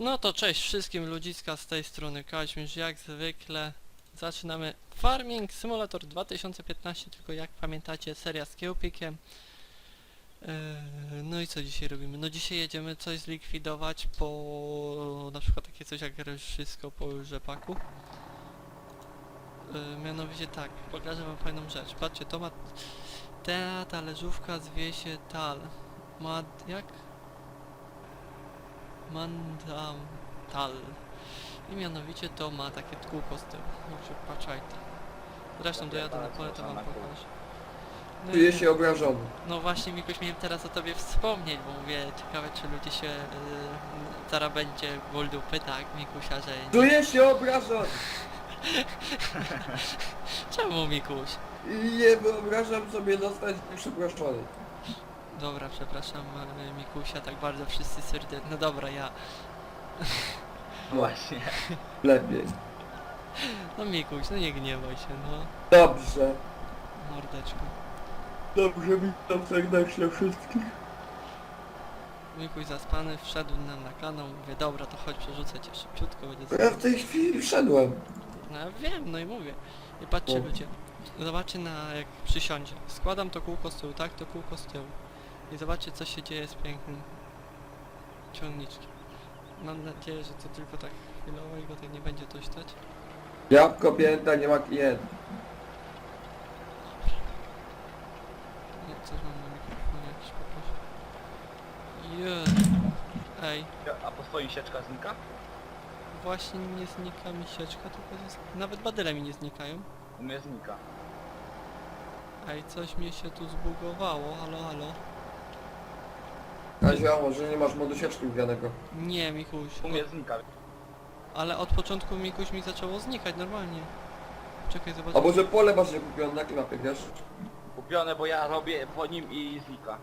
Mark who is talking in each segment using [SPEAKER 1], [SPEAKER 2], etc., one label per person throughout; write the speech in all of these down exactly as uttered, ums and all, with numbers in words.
[SPEAKER 1] No to cześć wszystkim ludziska, z tej strony Kaźmierz, jak zwykle zaczynamy Farming Simulator dwa tysiące piętnaście, tylko jak pamiętacie seria z kiełpikiem. Eee, no i co dzisiaj robimy? No dzisiaj jedziemy coś zlikwidować po na przykład takie coś jak wszystko po rzepaku. Eee, mianowicie tak, pokażę wam fajną rzecz. Patrzcie, to ma ta talerzówka zwie się Tal. Ma jak? Mandam Tal. I mianowicie to ma takie kółko z tyłu. Może patrzajcie. Zresztą dojadę na pole, to wam pokażę. No,
[SPEAKER 2] Czuję
[SPEAKER 1] i,
[SPEAKER 2] się obrażony.
[SPEAKER 1] no właśnie, Mikuś, miałem teraz o tobie wspomnieć, bo mówię, ciekawe czy ludzie się... Yy, zaraz będzie ból dupy, tak, Mikusia, że... Nie...
[SPEAKER 2] Czuję się obrażony!
[SPEAKER 1] Czemu, Mikuś?
[SPEAKER 2] I nie wyobrażam sobie zostać przeproszony.
[SPEAKER 1] Dobra, przepraszam yy, Mikusia, tak bardzo wszyscy serdecznie... No dobra, ja...
[SPEAKER 3] Właśnie.
[SPEAKER 2] Lepiej.
[SPEAKER 1] No Mikuś, no nie gniewaj się, no.
[SPEAKER 2] Dobrze.
[SPEAKER 1] Mordeczko.
[SPEAKER 2] Dobrze, witam serdecznie wszystkich.
[SPEAKER 1] Mikuś zaspany, wszedł nam na kanał, mówię, dobra, to chodź, przerzucę cię szybciutko, będzie
[SPEAKER 2] Ja w tej chwili wszedłem.
[SPEAKER 1] No ja wiem, no i mówię. I patrzcie
[SPEAKER 2] O.
[SPEAKER 1] ludzie, zobaczcie na jak przysiądzie. Składam to kółko z tyłu, tak? To kółko z tyłu. I zobaczcie co się dzieje z pięknym ciągniczkiem. Mam nadzieję, że to tylko tak chwilowo i go tak nie będzie to stać.
[SPEAKER 2] Jabłko pięta, nie ma klienta.
[SPEAKER 1] Nie, coś mam na mikrofonie jakiś poproszę. Jezu. Ej,
[SPEAKER 3] A po swoim sieczka znika?
[SPEAKER 1] właśnie nie znika mi sieczka, tylko jest... Nawet badyle mi nie znikają.
[SPEAKER 3] U mnie znika.
[SPEAKER 1] Ej, coś mi się tu zbugowało, halo, halo.
[SPEAKER 2] Kaziu, a może nie masz modu sieczki wgranego?
[SPEAKER 1] Nie, Mikuś.
[SPEAKER 3] U mnie znika.
[SPEAKER 1] Ale od początku Mikuś mi zaczęło znikać normalnie. Czekaj, zobacz.
[SPEAKER 2] A może pole masz nie kupione na klapie, wiesz?
[SPEAKER 3] Kupione, bo ja robię po nim i znika.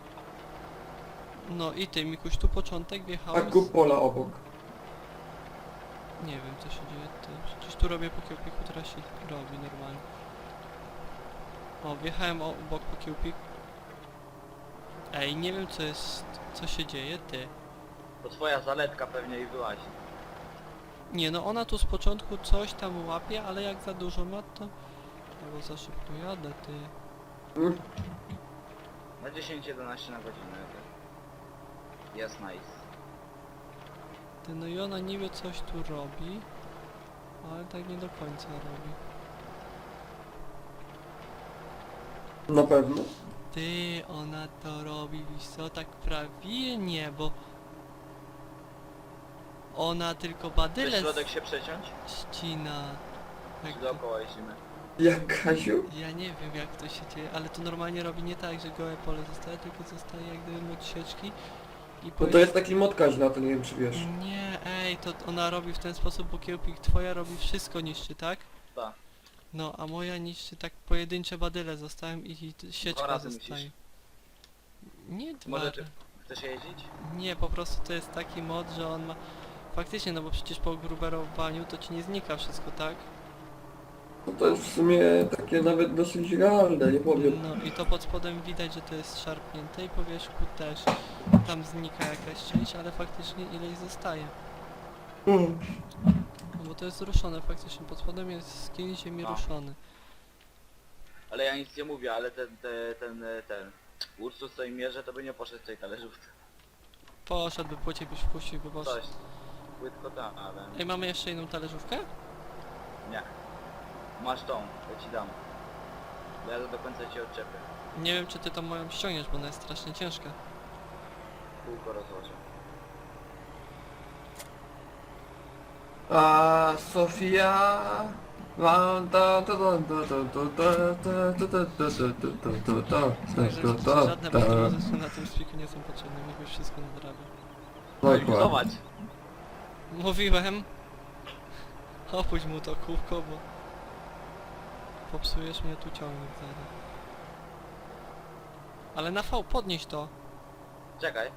[SPEAKER 1] No i ty, Mikuś, tu początek
[SPEAKER 2] A
[SPEAKER 1] wjechałem.
[SPEAKER 2] kup pola obok.
[SPEAKER 1] Nie wiem co się dzieje, ty. Przecież tu robię po kiełpiku, teraz się robi normalnie. O, wjechałem obok po kiełpik. Ej, nie wiem co jest, co się dzieje, ty.
[SPEAKER 3] To twoja zaletka pewnie i wyłazi.
[SPEAKER 1] Nie no, ona tu z początku coś tam łapie, ale jak za dużo ma to... Albo za szybko jadę, ty.
[SPEAKER 2] Mm.
[SPEAKER 3] Na dziesięć jedenaście na godzinę. Jest nice.
[SPEAKER 1] Ty, no i ona niby coś tu robi, ale tak nie do końca robi.
[SPEAKER 2] Na pewno.
[SPEAKER 1] Ty, ona to robi, wiesz co, tak prawie nie, bo... Ona tylko
[SPEAKER 3] Chcesz
[SPEAKER 1] badyle
[SPEAKER 3] środek się przeciąć?
[SPEAKER 1] ścina.
[SPEAKER 3] Czy
[SPEAKER 1] Jak to,
[SPEAKER 3] dookoła jeździmy?
[SPEAKER 2] Jak Kaziu?
[SPEAKER 1] ja nie wiem jak to się dzieje, ale to normalnie robi nie tak, że gołe pole zostaje, tylko zostaje jak gdyby od sieczki. I
[SPEAKER 2] No to jest taki mod Kaziu, to nie wiem czy wiesz.
[SPEAKER 1] Nie, ej, to ona robi w ten sposób, bo kiełpik twoja robi wszystko niszczy, tak?
[SPEAKER 3] Tak.
[SPEAKER 1] No, a moja niszczy tak pojedyncze badyle zostałem i, i t- sieczka
[SPEAKER 3] razy
[SPEAKER 1] zostaje.
[SPEAKER 3] musisz.
[SPEAKER 1] Nie dwa.
[SPEAKER 3] Może ty chcesz jeździć?
[SPEAKER 1] Nie, po prostu to jest taki mod, że on ma... Faktycznie, no bo przecież po gruberowaniu to ci nie znika wszystko, tak?
[SPEAKER 2] No to jest w sumie takie nawet dosyć realne, nie powiem.
[SPEAKER 1] No i to pod spodem widać, że to jest szarpnięte i po wierzchu też. Tam znika jakaś część, ale faktycznie ileś zostaje.
[SPEAKER 2] Mm.
[SPEAKER 1] No bo to jest ruszone faktycznie, pod spodem jest skin ziemi
[SPEAKER 3] No.
[SPEAKER 1] ruszony.
[SPEAKER 3] Ale ja nic nie mówię, ale ten, ten, ten, ten... Ursus co im mierzy, to by nie poszedł w tej talerzówce.
[SPEAKER 1] Poszedłby, płycie byś wpuścił, by poszedł.
[SPEAKER 3] Coś. Płytko tam, ale...
[SPEAKER 1] Ej, mamy jeszcze jedną talerzówkę?
[SPEAKER 3] Nie. Masz tą, ja ci dam. Bo ja to do końca ci odczepię.
[SPEAKER 1] Nie wiem, czy ty tą moją ściągniesz, bo ona jest strasznie ciężka.
[SPEAKER 3] Kółko rozłożę.
[SPEAKER 2] A Sofia... Wan, ta, ta, ta, ta, ta, ta, ta, ta, ta, ta, ta, ta, ta,
[SPEAKER 1] Także
[SPEAKER 2] ta, ta,
[SPEAKER 1] żadne
[SPEAKER 2] ta.
[SPEAKER 1] bakterie na tym spiku nie są potrzebne, Mikuś wszystko nadrabia.
[SPEAKER 2] No i
[SPEAKER 3] No zobacz.
[SPEAKER 1] Mówiłem. Opuść mu to kółko, bo... Popsujesz mnie tu ciągnik zaraz. Ale na V podnieś to.
[SPEAKER 3] Czekaj.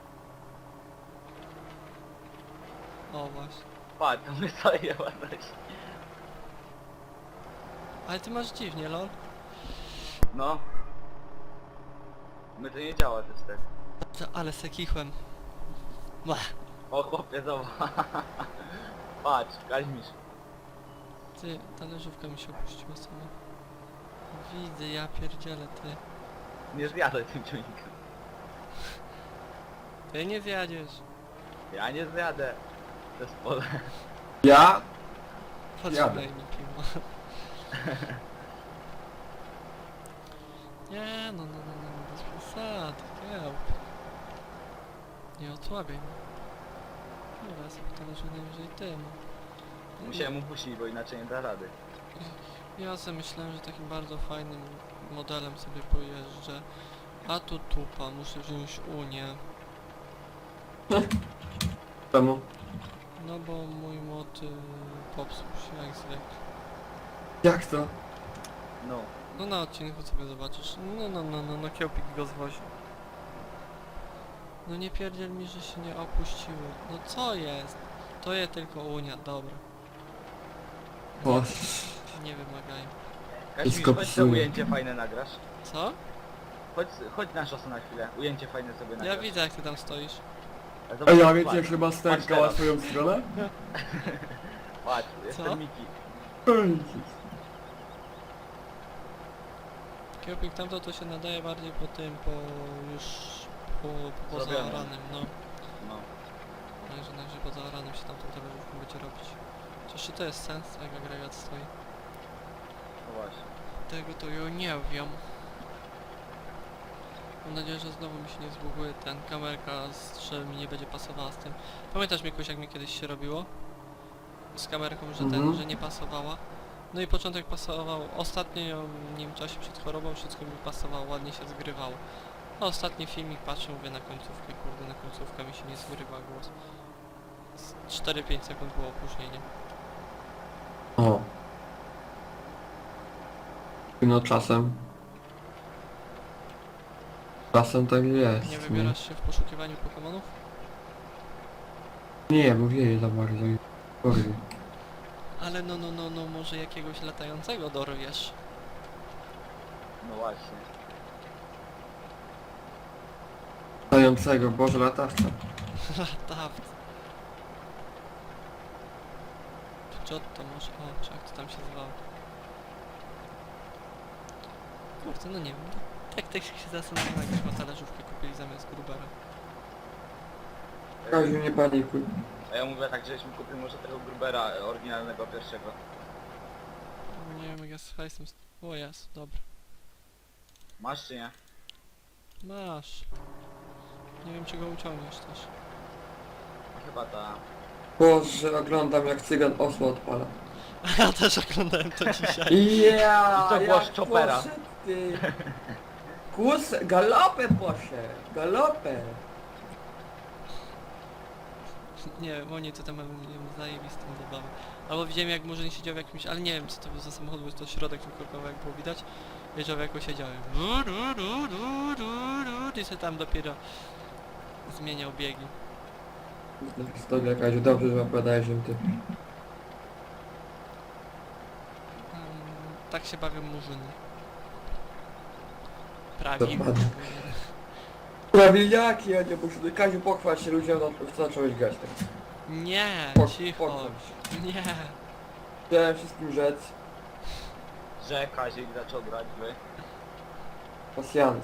[SPEAKER 1] O właśnie.
[SPEAKER 3] Patrz, to my sobie ładność.
[SPEAKER 1] Ale ty masz dziwnie, lol.
[SPEAKER 3] No. My to nie działa też tak.
[SPEAKER 1] To, ale se kichłem. Bah.
[SPEAKER 3] O chłopie, zobacz. Patrz, Kaźmisz.
[SPEAKER 1] Ty, talerzówka mi się opuściła sama. Widzę, ja pierdzielę, ty.
[SPEAKER 3] Nie zjadaj tym ciągnikiem.
[SPEAKER 1] Ty nie zjadziesz.
[SPEAKER 3] Ja nie zjadę. To jest pole.
[SPEAKER 2] Ja?
[SPEAKER 1] Potrzymaj
[SPEAKER 2] Jadę.
[SPEAKER 1] mi piwo. Nie, no, no, no, no, no, bez przesady, kiełb. Nie osłabiaj mnie. Dobra, sobie talerze najwyżej tym.
[SPEAKER 3] Musiałem upuścić, bo inaczej nie da rady.
[SPEAKER 1] Ja sobie myślałem, że takim bardzo fajnym modelem sobie pojeżdżę. A tu tupa, muszę wziąć Unię.
[SPEAKER 2] Czemu?
[SPEAKER 1] No bo mój mod y, popsuł się jak zwykle.
[SPEAKER 2] Jak to?
[SPEAKER 3] No.
[SPEAKER 1] No na odcinku sobie zobaczysz. No no no no no kiełpik go zwozi. No nie pierdziel mi, że się nie opuściło. No co jest? To je tylko Unia, dobra.
[SPEAKER 2] O,
[SPEAKER 1] Nie wymagają.
[SPEAKER 3] Kaźmisz,
[SPEAKER 2] Wszystko
[SPEAKER 3] chodź to
[SPEAKER 2] psuje.
[SPEAKER 3] ujęcie fajne nagrasz.
[SPEAKER 1] Co?
[SPEAKER 3] Chodź, chodź na szosę na chwilę. Ujęcie fajne sobie nagrasz.
[SPEAKER 1] Ja widzę jak ty tam stoisz.
[SPEAKER 3] A
[SPEAKER 2] a
[SPEAKER 3] zobacz,
[SPEAKER 2] ja
[SPEAKER 3] patrz,
[SPEAKER 2] wiecie jak chyba
[SPEAKER 3] Patrz
[SPEAKER 2] stękała
[SPEAKER 3] teraz.
[SPEAKER 2] swoją stronę?
[SPEAKER 3] Patrz,
[SPEAKER 1] Co?
[SPEAKER 3] jestem Miki.
[SPEAKER 1] Kiełpik tamto to się nadaje bardziej po tym, po już po, po
[SPEAKER 3] Zrobionym.
[SPEAKER 1] zaoranym, no.
[SPEAKER 3] No.
[SPEAKER 1] Także najwyżej po zaoranym się tamtą talerzówką będzie robić. Chociaż czy to jest sens, jak agregat stoi?
[SPEAKER 3] No właśnie.
[SPEAKER 1] Tego to ja nie wiem. Mam nadzieję, że znowu mi się nie zbuguje ten kamerka, z- że mi nie będzie pasowała z tym. Pamiętasz Mikuś, jak mi kiedyś się robiło? Z kamerką, że ten,
[SPEAKER 2] Mhm.
[SPEAKER 1] że nie pasowała. No i początek pasował, ostatnio nie wiem, czasie przed chorobą wszystko mi pasowało, ładnie się zgrywało. A ostatni filmik patrzę, mówię na końcówkę, kurde, na końcówkę mi się nie zgrywa głos. Z cztery pięć sekund było opóźnienie.
[SPEAKER 2] O. No czasem. Czasem tak jest.
[SPEAKER 1] Nie wybierasz się w poszukiwaniu Pokemonów?
[SPEAKER 2] Nie, bo wieje za bardzo i porwie.
[SPEAKER 1] Ale no, no, no, no, może jakiegoś latającego dorwiesz.
[SPEAKER 3] No właśnie.
[SPEAKER 2] Latającego, Boże latawca.
[SPEAKER 1] Latawca. Giotto może, o, czy jak to tam się zwało. Kurczę, no nie wiem, tak tak się zastanawiam, jakbyśmy talerzówkę kupili zamiast Grubera.
[SPEAKER 2] Kaziu, nie panikuj.
[SPEAKER 3] A ja mówię tak, żeśmy kupili może tego Grubera e, oryginalnego pierwszego.
[SPEAKER 1] Nie wiem, jak ja z hajsem... st- O jest, dobra.
[SPEAKER 3] Masz czy nie?
[SPEAKER 1] Masz. Nie wiem, czy go uciągniesz też.
[SPEAKER 3] No chyba ta.
[SPEAKER 2] Boże, oglądam jak cygan osła odpala.
[SPEAKER 1] Ja też oglądałem to dzisiaj.
[SPEAKER 2] Ja,
[SPEAKER 3] I to głos Chopera.
[SPEAKER 2] poszedł, ty. Kus, galopem poszedł, galopem.
[SPEAKER 1] Nie wiem, oni to tam mają nie wiem, zajebistą zabawę. Albo widziałem jak Murzyn siedział w jakimś, ale nie wiem co to był za samochód, bo to środek tylko jak było widać. Wiedział w jaku siedziałem. I się tam dopiero zmieniał biegi.
[SPEAKER 2] Historia, Kaziu, dobrze, że opowiadałeś im ty.
[SPEAKER 1] Um, tak się bawią Murzyny. Prawilnie.
[SPEAKER 2] Dokładnie. Prawilniaki, a nie muszę. Kaziu, pochwal się ludziom, no to zacząłeś grać tak.
[SPEAKER 1] Nie,
[SPEAKER 2] Po-
[SPEAKER 1] cicho.
[SPEAKER 2] pochwal się.
[SPEAKER 1] Nie.
[SPEAKER 2] Chciałem wszystkim rzec.
[SPEAKER 3] Że Kazik zaczął grać wy.
[SPEAKER 2] Pasjans.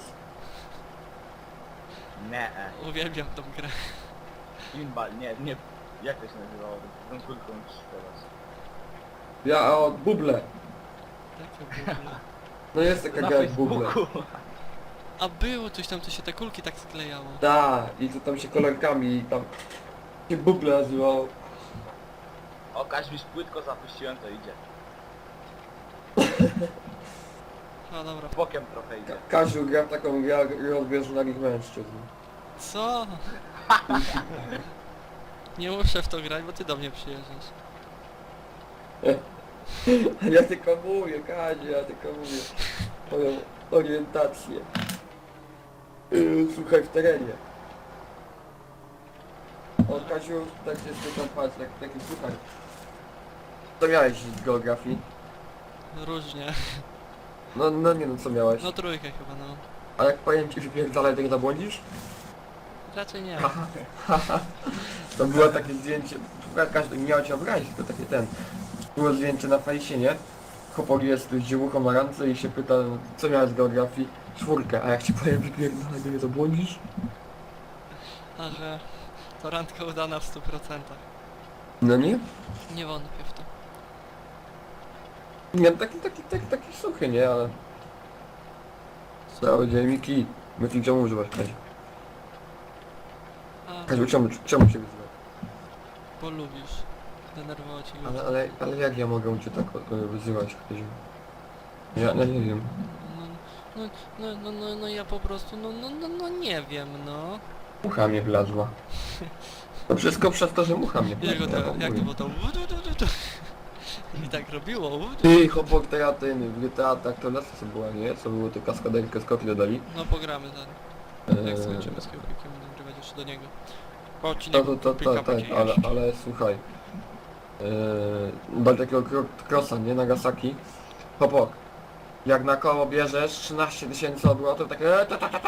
[SPEAKER 3] Nie.
[SPEAKER 1] Uwielbiam tą grę.
[SPEAKER 3] Pinball, nie, nie. Jak to się nazywało? Tą kulką strzelać.
[SPEAKER 2] Ja o buble.
[SPEAKER 1] Takie było.
[SPEAKER 2] No jest taka
[SPEAKER 3] Na
[SPEAKER 2] gra jak buble.
[SPEAKER 3] Facebooku.
[SPEAKER 1] A było coś tam, to się te kulki tak sklejało.
[SPEAKER 2] Da, i to tam się kolorkami i tam się buble nazywało.
[SPEAKER 3] O, Kaźmisz płytko zapuściłem, to idzie.
[SPEAKER 1] A dobra.
[SPEAKER 3] Bokiem trochę idzie.
[SPEAKER 2] Ka Kaziu gra w taką grę grę odbieżonych mężczyzn.
[SPEAKER 1] Co? Nie muszę w to grać, bo ty do mnie przyjeżdżasz.
[SPEAKER 2] Ja tylko mówię, Kaziu, ja tylko mówię. Moją orientację. Yy, słuchaj, w terenie. O, Kaziu, tak się spytam, patrz, tak, taki słuchaj. Co miałeś z geografii?
[SPEAKER 1] Różnie.
[SPEAKER 2] No, no nie no, co miałeś?
[SPEAKER 1] No trójkę chyba, no.
[SPEAKER 2] A jak powiem ci, że pierdalaj, to nie zabłądzisz?
[SPEAKER 1] Raczej nie.
[SPEAKER 2] To było takie zdjęcie, każdy nie miał cię obrazić, to takie ten. Było zdjęcie na fejsie, nie? Chłopak jest z dziewuchą na randce i się pyta, co miałeś z geografii? Czwórkę, a jak ci powiem wypierdolę, mnie to błądzisz?
[SPEAKER 1] A że to randka udana w stu procentach.
[SPEAKER 2] No nie?
[SPEAKER 1] Nie wątpię w to.
[SPEAKER 2] Nie, no taki, taki, taki, taki suchy, nie, ale... Cały dzień Miki, Miki, czemu używasz Kaziu?
[SPEAKER 1] A,
[SPEAKER 2] Kaziu, czemu, czemu się wyzywasz?
[SPEAKER 1] bo lubisz. Denerwować i
[SPEAKER 2] Ale,
[SPEAKER 1] lubisz.
[SPEAKER 2] ale, ale jak ja mogę cię tak e, wyzywać, Kaziu? Ja, no nie wiem.
[SPEAKER 1] No, no, no, no, no, no ja po prostu, no, no, no, no nie wiem, no.
[SPEAKER 2] Mucha mnie wlazła. To wszystko przez to, że mucha mnie
[SPEAKER 1] Jak,
[SPEAKER 2] wlazła.
[SPEAKER 1] to,
[SPEAKER 2] w
[SPEAKER 1] jak to
[SPEAKER 2] ogóle.
[SPEAKER 1] było to? wu, du, du, du, du. I tak robiło. wu, du.
[SPEAKER 2] Ty, chłopak, to ja ten, w G T A tak to lasy co była, nie? Co było, to kaskaderkę skoki dodali.
[SPEAKER 1] No pogramy zaraz. Jak
[SPEAKER 2] Eee,
[SPEAKER 1] skończymy z kiełbikiem, nagrywać jeszcze do niego. Po
[SPEAKER 2] To,
[SPEAKER 1] odcinku
[SPEAKER 2] to, to, to,
[SPEAKER 1] Kiełpika
[SPEAKER 2] tak,
[SPEAKER 1] będzie
[SPEAKER 2] ale,
[SPEAKER 1] jeszcze.
[SPEAKER 2] ale słuchaj. Eee, do takiego kro- crossa, nie? Nagasaki. Chłopak, jak na koło bierzesz trzynaście tysięcy obrotów, takie...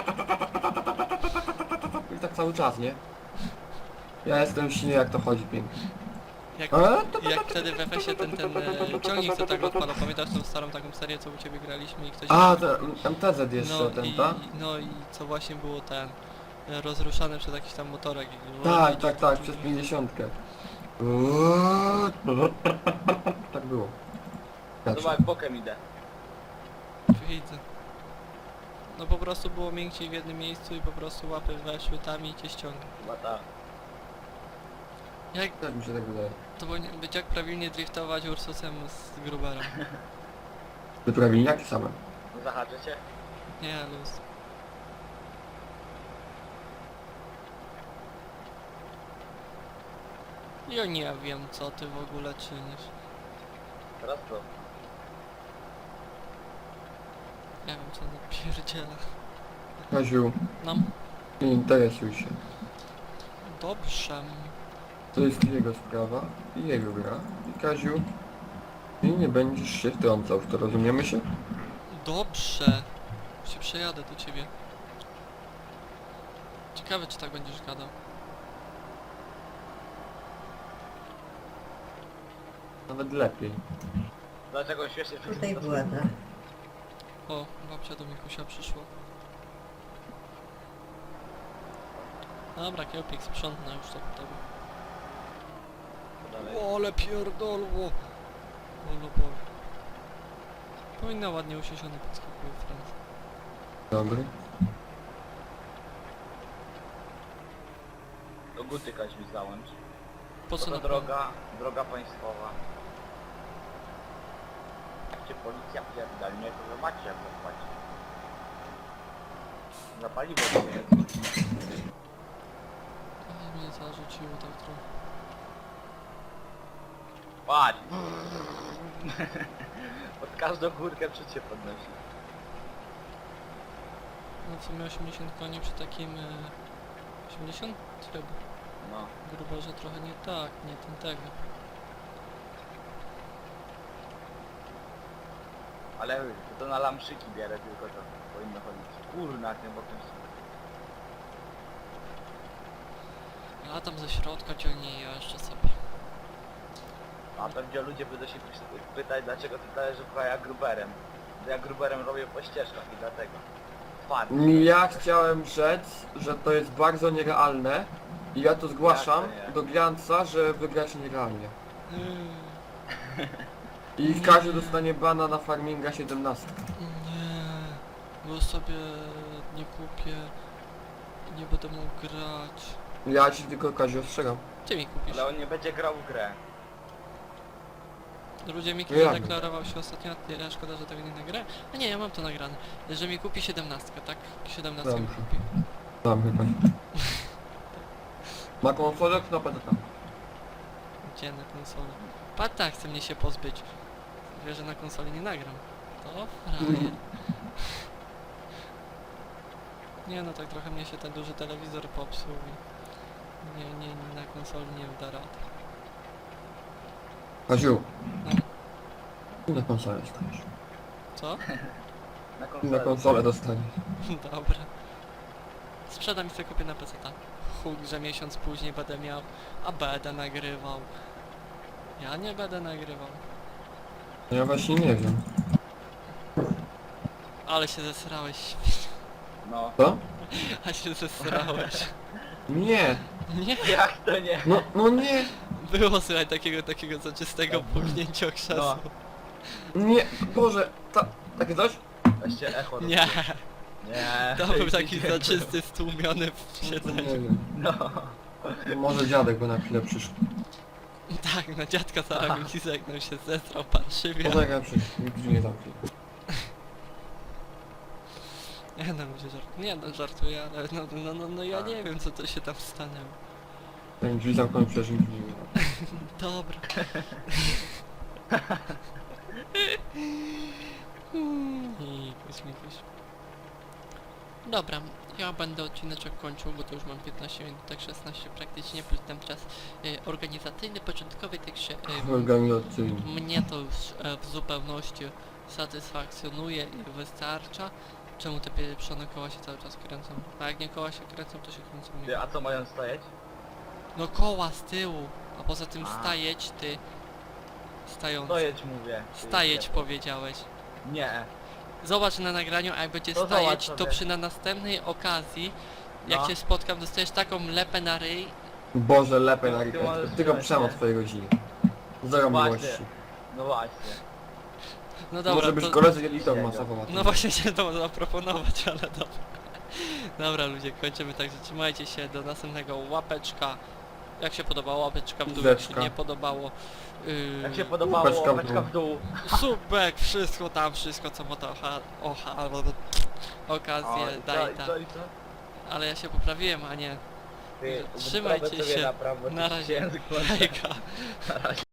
[SPEAKER 2] I tak cały czas, nie? Ja jestem silny, jak to chodzi pięknie.
[SPEAKER 1] Jak,
[SPEAKER 2] A,
[SPEAKER 1] jak wtedy w F S ie ten, ten e, ciągnik co tak odpala, pamiętasz tą starą taką serię, co u ciebie graliśmy i ktoś...
[SPEAKER 2] A, ten M T Z jeszcze,
[SPEAKER 1] no,
[SPEAKER 2] ten,
[SPEAKER 1] i,
[SPEAKER 2] tak?
[SPEAKER 1] no i co właśnie było ten... e, rozruszany przez jakiś tam motorek i...
[SPEAKER 2] Tak, tak, tak, przez pięćdziesiątkę. Tak było.
[SPEAKER 3] Zobacz, bokiem idę.
[SPEAKER 1] Widzę. No po prostu było miękciej w jednym miejscu i po prostu łapy weszły tam i cię ściąga.
[SPEAKER 3] Chyba tak.
[SPEAKER 1] Jak
[SPEAKER 2] Tak mi się tak wydaje.
[SPEAKER 1] to powinien być, jak prawilnie driftować Ursusem z Gruberem?
[SPEAKER 2] Ty prawilniaki same.
[SPEAKER 3] Zahaczę cię?
[SPEAKER 1] Nie, luz. Ja nie wiem, co ty w ogóle czynisz.
[SPEAKER 3] Teraz to.
[SPEAKER 1] Nie wiem, co napierdziela.
[SPEAKER 2] Kaziu,
[SPEAKER 1] Nam
[SPEAKER 2] nie interesuj się.
[SPEAKER 1] dobrze.
[SPEAKER 2] To jest jego sprawa i jego gra. I Kaziu, ty nie będziesz się wtrącał w to, rozumiemy się?
[SPEAKER 1] Dobrze. Się przejadę do ciebie. Ciekawe, czy tak będziesz gadał.
[SPEAKER 2] Nawet lepiej.
[SPEAKER 3] Dlaczego śmiesznie
[SPEAKER 4] Tutaj była ta.
[SPEAKER 1] O, babcia do Mikusia przyszła. Dobra, Kiełpik sprzątnę już to po tobie.
[SPEAKER 3] dalej.
[SPEAKER 1] O, ale pierdolło! O, no Boże. Powinna ładnie usiesione podskakuje Francja.
[SPEAKER 2] Dobry.
[SPEAKER 3] Do Guty Kaź mi załącz.
[SPEAKER 1] Po co
[SPEAKER 3] To
[SPEAKER 1] na
[SPEAKER 3] droga, droga państwowa. Jak cię policja pierdolnie, to wy macie jak zapłacić. Za paliwo to jest.
[SPEAKER 1] Ach, mnie zarzuciło tak trochę.
[SPEAKER 3] Patrz! Pod każdą górkę przecież podnosi.
[SPEAKER 1] No w sumie osiemdziesiąt koni przy takim... E, osiemdziesiąt? Chyba.
[SPEAKER 3] No.
[SPEAKER 1] Grubo, że trochę nie tak, nie ten tego.
[SPEAKER 3] Ale to na lamszyki bierę tylko to powinno chodzić. Kurna, jak nie bokiem
[SPEAKER 1] A tam ze środka ciągnie i jeszcze sobie.
[SPEAKER 3] A pewnie ludzie będą się py- pytać, dlaczego ty dajesz ja gruberem. Bo ja gruberem robię po ścieżkach i dlatego. Twardy.
[SPEAKER 2] Ja chciałem rzec, że to jest bardzo nierealne i ja to zgłaszam
[SPEAKER 3] Jak to nie?
[SPEAKER 2] do Glanca, że wygrać nierealnie.
[SPEAKER 1] Yy,
[SPEAKER 2] I Kaziu dostanie bana na farminga siedemnaście.
[SPEAKER 1] nie, bo sobie nie kupię. Nie będę mógł grać.
[SPEAKER 2] Ja ci tylko Kaziu ostrzegam.
[SPEAKER 1] Ty mi kupisz.
[SPEAKER 3] Ale on nie będzie grał w grę.
[SPEAKER 1] Ludzie mi
[SPEAKER 2] Jak?
[SPEAKER 1] zadeklarował się ostatnio, ja szkoda, że tego nie nagrałem. A nie, ja mam to nagrane. Że mi kupi siedemnastkę, tak? siedemnastkę mi
[SPEAKER 2] Dobrze.
[SPEAKER 1] kupi.
[SPEAKER 2] Tam chyba. Ma konsolę, knopę to tam.
[SPEAKER 1] Gdzie na konsolę? Patrz, tak, chce mnie się pozbyć. Wie, że na konsoli nie nagram. To frajer. Nie no, tak trochę mnie się ten duży telewizor popsuł i... Nie, nie, nie, na konsoli nie da rady.
[SPEAKER 2] Kaziu,
[SPEAKER 1] No,
[SPEAKER 2] na konsolę dostaniesz.
[SPEAKER 1] co?
[SPEAKER 3] Na
[SPEAKER 2] Na
[SPEAKER 3] konsolę.
[SPEAKER 2] konsolę dostaniesz.
[SPEAKER 1] Dobra. Sprzedam i sobie kupię na P C ta. huk, że miesiąc później będę miał, a będę nagrywał. Ja nie będę nagrywał.
[SPEAKER 2] Ja właśnie nie wiem.
[SPEAKER 1] Ale się zesrałeś,
[SPEAKER 3] No.
[SPEAKER 2] Co?
[SPEAKER 1] a się zesrałeś.
[SPEAKER 2] Nie!
[SPEAKER 1] Nie,
[SPEAKER 3] Jak to nie?
[SPEAKER 2] No, no nie!
[SPEAKER 1] było słuchaj takiego, takiego zaczystego puknięcia krzesła.
[SPEAKER 2] Nie! Boże! Ta, takie coś?
[SPEAKER 3] Weźcie echo. do
[SPEAKER 1] Nie,
[SPEAKER 3] tyłu. Nie.
[SPEAKER 1] to był taki
[SPEAKER 3] Idziecie.
[SPEAKER 1] zaczysty, stłumiony w
[SPEAKER 2] Nie
[SPEAKER 1] siedzeniu.
[SPEAKER 2] wiem.
[SPEAKER 3] No.
[SPEAKER 2] Może dziadek by na chwilę przyszł.
[SPEAKER 1] Tak, na dziadka zaraz mi zegnął się, zesrał parszywie.
[SPEAKER 2] Poczekaj, przyszł. Nigdy nie zamknie.
[SPEAKER 1] Nie no, ludzie żart... nie no, żartuję, ale no, no, no, no ja nie wiem co to się tam stanęło.
[SPEAKER 2] Ten drzwi zamknął przecież nigdy nie ma.
[SPEAKER 1] Dobra. Mikuś, mikuś. Dobra, ja będę odcineczek kończył, bo to już mam piętnaście minut, tak szesnaście praktycznie, plus ten czas e, organizacyjny, początkowy, także e,
[SPEAKER 2] Organizacyjny.
[SPEAKER 1] mnie to już e, w zupełności satysfakcjonuje i wystarcza. Czemu te pieprzone koła się cały czas kręcą? A jak nie koła się kręcą, to się kręcą
[SPEAKER 3] Ty,
[SPEAKER 1] nie.
[SPEAKER 3] a co mają stajeć?
[SPEAKER 1] No koła z tyłu, a poza tym
[SPEAKER 3] A.
[SPEAKER 1] stajeć ty. Stający.
[SPEAKER 3] Stojeć mówię. Ty,
[SPEAKER 1] Stajeć
[SPEAKER 3] nie.
[SPEAKER 1] powiedziałeś.
[SPEAKER 3] Nie.
[SPEAKER 1] Zobacz na nagraniu, a jak będzie
[SPEAKER 3] To
[SPEAKER 1] stajeć,
[SPEAKER 3] zobacz
[SPEAKER 1] to
[SPEAKER 3] sobie.
[SPEAKER 1] przy na następnej okazji, jak
[SPEAKER 3] No.
[SPEAKER 1] cię spotkam, dostajesz taką lepę na ryj.
[SPEAKER 2] Boże, lepiej
[SPEAKER 3] Ty-
[SPEAKER 2] na
[SPEAKER 3] ty
[SPEAKER 2] rękę.
[SPEAKER 3] możesz
[SPEAKER 2] Tylko
[SPEAKER 3] wziąć,
[SPEAKER 2] przemoc
[SPEAKER 3] nie?
[SPEAKER 2] twojej rodziny. Zero
[SPEAKER 3] Właśnie.
[SPEAKER 2] miłości.
[SPEAKER 3] No właśnie.
[SPEAKER 1] No dobra,
[SPEAKER 2] Może być
[SPEAKER 1] to...
[SPEAKER 2] koledzy editor
[SPEAKER 3] Jego.
[SPEAKER 2] masowo.
[SPEAKER 1] No właśnie się to zaproponować, ale dobra. Dobra ludzie, kończymy, także trzymajcie się, do następnego łapeczka. Jak się podobało, łapeczka w dół, jak się
[SPEAKER 2] Zeczka.
[SPEAKER 1] nie podobało. Yy...
[SPEAKER 3] Jak się podobało,
[SPEAKER 2] Łapeczka w
[SPEAKER 3] łapeczka w dół.
[SPEAKER 1] Subek, wszystko tam, wszystko co ma to ocha, ocha, albo okazję,
[SPEAKER 3] O, i co,
[SPEAKER 1] daj
[SPEAKER 3] i
[SPEAKER 1] ta.
[SPEAKER 3] co, i co?
[SPEAKER 1] Ale ja się poprawiłem, a nie.
[SPEAKER 3] Ty,
[SPEAKER 1] Trzymajcie
[SPEAKER 3] wyprawę sobie
[SPEAKER 1] się.
[SPEAKER 3] na prawo,
[SPEAKER 1] Na
[SPEAKER 3] ty
[SPEAKER 1] razie.
[SPEAKER 3] język włączę.
[SPEAKER 1] Hejka.
[SPEAKER 3] Na razie.